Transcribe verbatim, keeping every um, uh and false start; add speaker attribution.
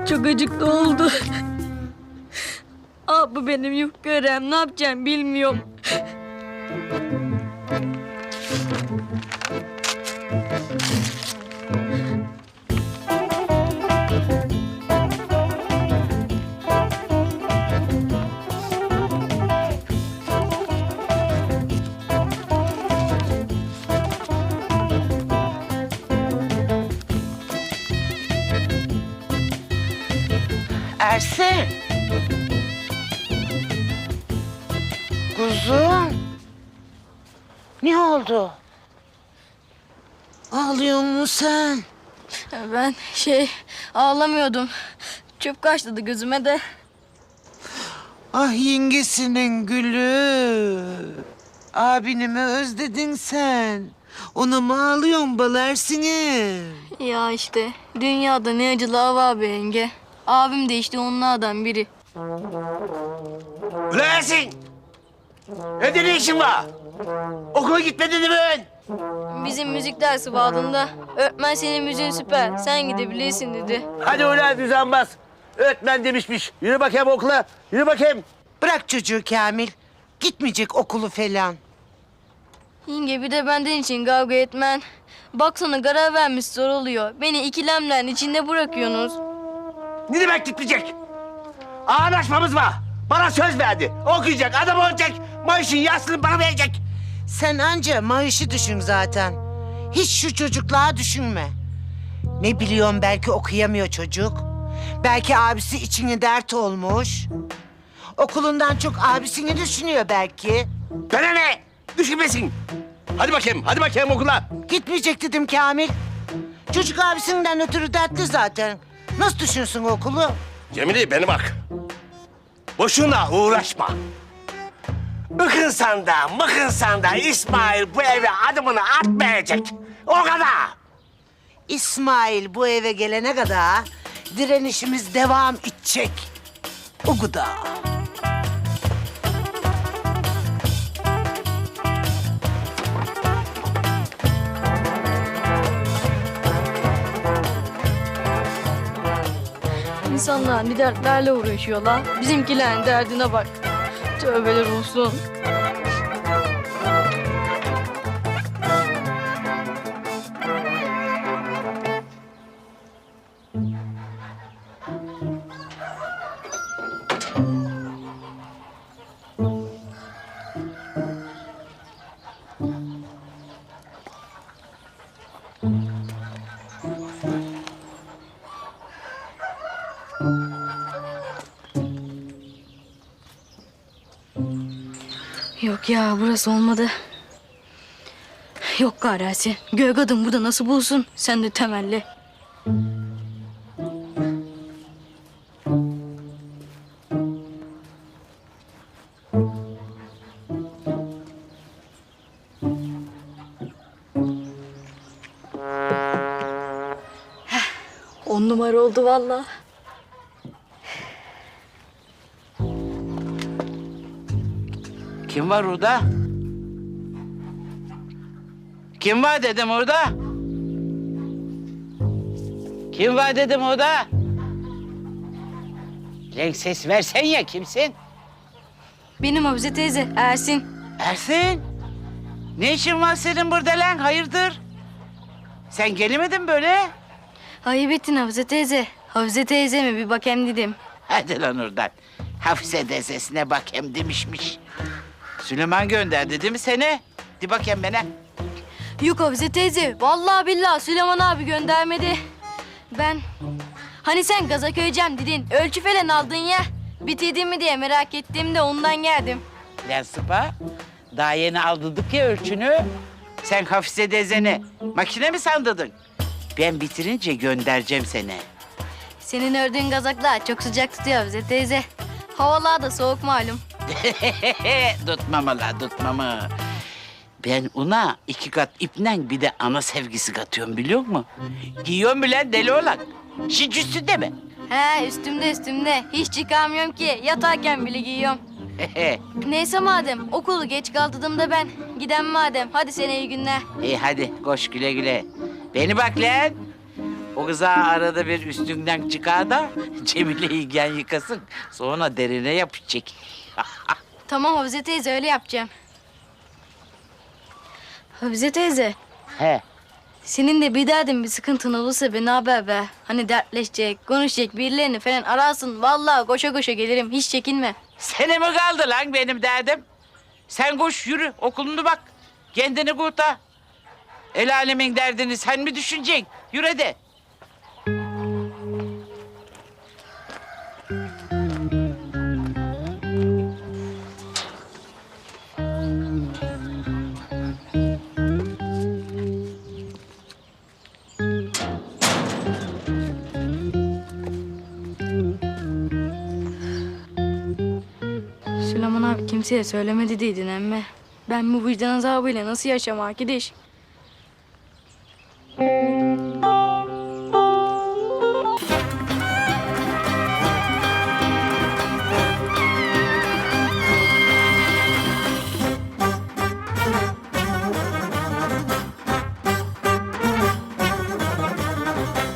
Speaker 1: Çok acıklı oldu. Abi benim yufka örem, ne yapacağım bilmiyorum.
Speaker 2: Ersin. Kuzum. Ne oldu? Ağlıyor musun sen?
Speaker 1: Ben şey ağlamıyordum. Çöp kaçtı gözüme de.
Speaker 2: Ah yengesinin gülü. Abini mi özledin sen? Ona mı ağlıyorsun bal Ersin'im?
Speaker 1: Ya işte dünyada ne acılar var be yenge. Abim de işte onlardan biri.
Speaker 3: Ulan Ersin! Evde ne işin var? Okula gitmedin mi ben?
Speaker 1: Bizim müzik dersi vardı. Öğretmen senin müziğin süper, sen gidebilirsin dedi.
Speaker 3: Hadi ulan düzenbaz. Öğretmen demişmiş. Yürü bakayım okula. Yürü bakayım.
Speaker 2: Bırak çocuğu Kamil. Gitmeyecek okulu falan.
Speaker 1: Yenge bir de benden için kavga etmen. Baksana karar vermiş zor oluyor. Beni ikilemlerin içinde bırakıyorsunuz.
Speaker 3: Ne demek gitmeyecek? Anlaşmamız var. Bana söz verdi. Okuyacak, adam olacak. Maaşın yarısını bana verecek.
Speaker 2: Sen anca maaşı düşün zaten. Hiç şu çocukluğa düşünme. Ne biliyorum belki okuyamıyor çocuk. Belki abisi içine dert olmuş. Okulundan çok abisini düşünüyor belki.
Speaker 3: Bana ne? Düşünmesin. Hadi bakayım, hadi bakayım okula.
Speaker 2: Gitmeyecek dedim Kamil. Çocuk abisinden ötürü dertli zaten. Nasıl düşünsün okulu?
Speaker 3: Cemile beni bak. Boşuna uğraşma. Mıkınsan da mıkınsan da İsmail bu eve adımını atmayacak. O kadar.
Speaker 2: İsmail bu eve gelene kadar direnişimiz devam edecek. O kadar.
Speaker 1: İnsanlar ne dertlerle uğraşıyorlar. Bizimkilerin derdine bak. Tövbeler olsun. Yok ya burası olmadı. Yok garasi. Göğe kadın burada nasıl bulsun? Sen de temelli. Heh, on numara oldu vallahi.
Speaker 2: Kim var orada? Kim var dedim orada? Kim var dedim orada? Lan ses versen ya kimsin?
Speaker 1: Benim Hafize teyze Ersin.
Speaker 2: Ersin. Ne işin var senin burada lan? Hayırdır? Sen gelemedin böyle.
Speaker 1: Ayıp ettin Hafize teyze. Hafize teyzeme bir bakayım dedim.
Speaker 2: Hadi lan oradan. Hafize teyzesine bak hem demişmiş. Süleyman gönderdi değil mi seni? Di bakayım bana.
Speaker 1: Yok Hafize teyze. Vallahi billahi Süleyman abi göndermedi. Ben... Hani sen gaza köyeceğim dedin. Ölçü falan aldın ya. Bitirdin mi diye merak ettim de ondan geldim.
Speaker 2: Lan Sıpa, daha yeni aldırdık ya ölçünü. Sen Hafize teyzeni makine mi sandırdın? Ben bitirince göndereceğim seni.
Speaker 1: Senin ördüğün gazaklar çok sıcak tutuyor Hafize teyze. Havalar da soğuk malum.
Speaker 2: Tutmama la, tutmama. Ben ona iki kat ipnen bir de ana sevgisi katıyorum biliyor musun? Giyiyorum bile deli olan. Şic üstünde mi?
Speaker 1: He üstümde üstümde. Hiç çıkamıyorum ki. Yatarken bile giyiyorum. Neyse madem okulu geç kaldırdığımda ben. Giden madem. Hadi sana iyi günler.
Speaker 2: İyi hadi koş güle güle. Beni bak lan.
Speaker 4: O kıza arada bir üstünden çıkar da Cemile'yi gen yıkasın. Sonra derine yapacak.
Speaker 1: Tamam Hafize teyze öyle yapacağım. Hafize teyze.
Speaker 4: He.
Speaker 1: Senin de bir derdin bir sıkıntın olursa beni haber ver. Hani dertleşecek, konuşacak birilerini falan ararsın. Vallahi koşa koşa gelirim hiç çekinme.
Speaker 4: Sene mi kaldı lan benim derdim? Sen koş yürü okulunu bak. Kendini kurtar. El alemin derdini sen mi düşüneceksin? Yürü de.
Speaker 1: Süleyman abi kimseye söylemedi dedin emme. Ben bu vicdan azabıyla nasıl yaşam arkadaş?